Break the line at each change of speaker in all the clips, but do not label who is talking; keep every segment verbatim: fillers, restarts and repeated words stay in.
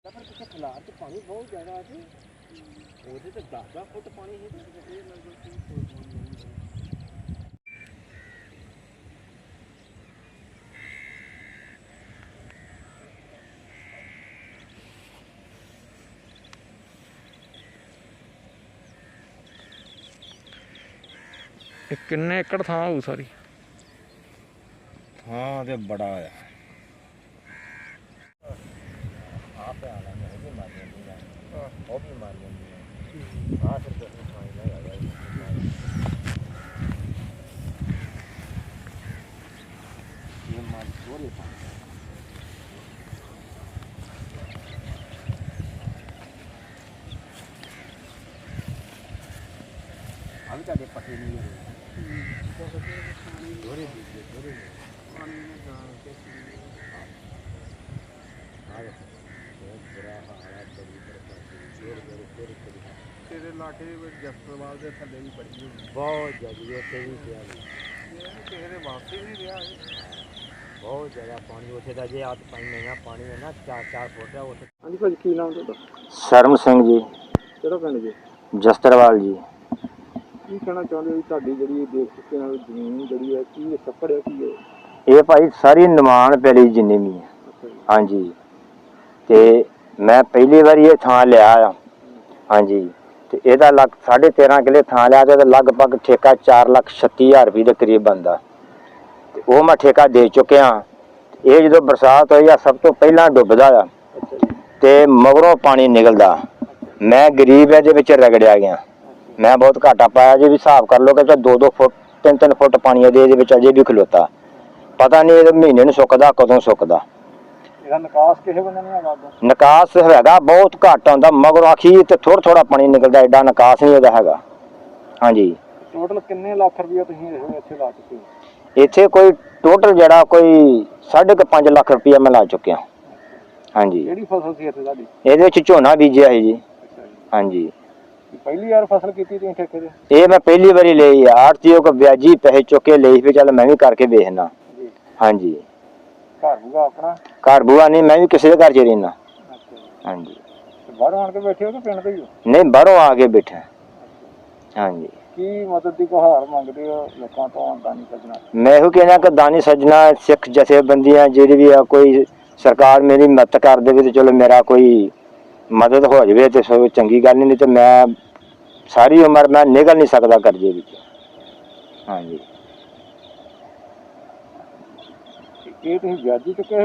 खिलार तो पानी बहुत ज़्यादा है वो तो दस दस फुट पानी है
किन्ने एकड़ थां होऊ सारी
थां ते बड़ा है अभी तो पटे नहीं है धोरे दीजिए धोरे पानी में डाल के बहुत बुरा हालात बड़ी तेरे इलाके जसपाल के थले भी बड़ी बहुत ज़्यादा उत्थे भी पिया किसी ने वापसी नहीं रहा बहुत ज़्यादा पानी उत्थे का जे हथ पानी नहीं पानी है ना चार चार फुट है उत्थे। हाँ जी भाजी की नाम तुहाडा? सरम सिंह जी। किहड़ा पिंड जी? जस्त्रवाल जी। की कहना चाਹੁੰਦੇ ਹੋ ਤੁਹਾਡੀ ਜਿਹੜੀ ਦੇਖ ਚੁੱਕੇ ਨਾਲ ਜ਼ਮੀਨ ਜਿਹੜੀ ਹੈ ਕੀ ਸੱਪੜ ਹੈ ਕੀ ਹੈ ਇਹ ਭਾਈ ਸਾਰੀ ਨਿਮਾਣ ਪੈਲੀ ਜਿੰਨੀ ਵੀ ਹੈ ਹਾਂਜੀ ਤੇ ਮੈਂ ਪਹਿਲੀ ਵਾਰੀ ਇਹ ਥਾਂ ਲਿਆ ਆ ਹਾਂਜੀ ਤੇ ਇਹਦਾ ਲੱਗ ਸਾਢੇ ਤੇਰਾਂ ਕਿੱਲੇ ਥਾਂ ਲਿਆ ਤੇ ਲਗਭਗ ਠੇਕਾ ਚਾਰ ਲੱਖ ਛੱਤੀ ਹਜ਼ਾਰ ਰੁਪਏ ਦੇ ਕਰੀਬ ਬਣਦਾ ਤੇ ਉਹ ਮੈਂ ਠੇਕਾ ਦੇ ਚੁੱਕਿਆ ਇਹ ਜਦੋਂ ਬਰਸਾਤ ਹੋਈ ਆ ਸਭ ਤੋਂ ਪਹਿਲਾਂ ਡੁੱਬਦਾ ਆ ਤੇ ਮਗਰੋਂ ਪਾਣੀ ਨਿਕਲਦਾ ਮੈਂ ਗਰੀਬ ਇਹਦੇ ਵਿੱਚ ਰਗੜਿਆ ਗਿਆ मैं बहुत घाटा पाया जी भी हिसाब कर लो कि दो दो फुट तीन तीन फुट पानी अजे अजे भी खलोता पता नहीं महीने में सुकदा कदों सुकदा निकास है बहुत घट आता मगर आखी तो थोड़ा थोड़ा पानी निकलता एडा निकास नहीं है। हाँ जी टोटल कितने लाख रुपये इत्थे कोई टोटल जड़ा कोई साढ़े क पाँच लाख रुपया मैं ला चुकिया। हाँ जी ये झोना बीजिया है जी। हाँ जी पहली बार फसल की थी ठेके दे ये मैं पहली बारी ले आड़तीओ को ब्याजी पैसे चुके ले फिर चल मैं भी करके बेचना। हाँ जी घर बुआ अपना घर बुआ नहीं मैं भी किसी के घर च रहना। हाँ जी बाहरों आके बैठे हो कि पिंड दे ही हो? नहीं बाहरों आके बैठे। हाँ जी की मदद की गुहार मंगते हो लोगों तो दानी सजना? मैं यो कहना कि दानी सजना सिख जथेबंदियां जेडी भी है कोई सरकार मेरी मदद कर दे तो चलो मेरा कोई मदद हो जाए तो सब चंगी गल नहीं तो मैं सारी उम्र मैं निकल नहीं सकता कर्जे विच। हाँ जी ये ब्याजी चुके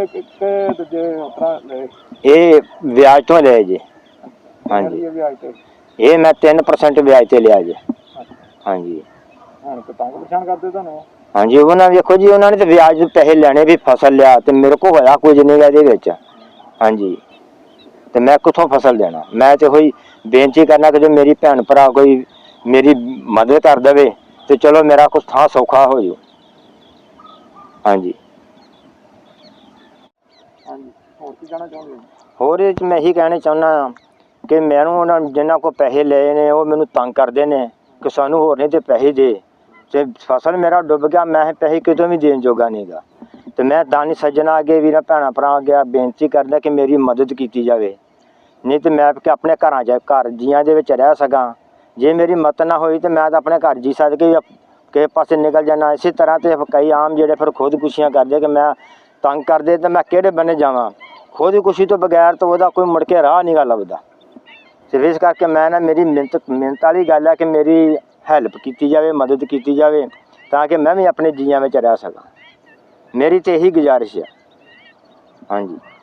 ये ब्याज तो लिया जी। हाँ जी ये मैं तीन परसेंट ब्याज से लिया जी। हाँ जी हाँ जी उन्होंने देखो जी उन्होंने तो ब्याज पैसे लेने भी फसल लिया तो मेरे को होया कुछ नहीं ये। हाँ जी तो मैं कितों फसल देना मैं तो कोई बेनती करना कि जो मेरी भैन भरा कोई मेरी मदद कर दे तो चलो मेरा कुछ थां सौखा हो जाओ। हाँ जी होर मैं यही कहना चाहना कि मैनू जिन्होंने को पैसे ले ने वो मैनू तंग करते हैं कि सानू होर नहीं तो पैसे दे तो फसल मेरा डुब गया मैं पैसे कितों भी देन जोगा नहीं गा तो मैं दानी सज्जना अगे वीर भैन भरा अगे बेनती करदा कि मेरी मदद की जाए नहीं तो मैं अपने घर घर जियां दे विच रह सकां जे मेरी मत ना होई तो मैं तो अपने घर जी सद के किसी पासे निकल जाना। इसी तरह तो कई आम जेडे फिर खुदकुशियां करते कि मैं तंग करते तो मैं किहड़े बन्ने जावां खुदकुशी तो बगैर तो वह कोई मुड़ के राह नहीं गा लभदा। सिर्फ इस करके मैं ना मेरी मिहनत मिहनत वाली गल है कि मेरी हैल्प की जाए मदद की जाए ताकि मैं भी अपने जियां में रह सकां मेरी तो यही गुजारिश है। हाँ जी।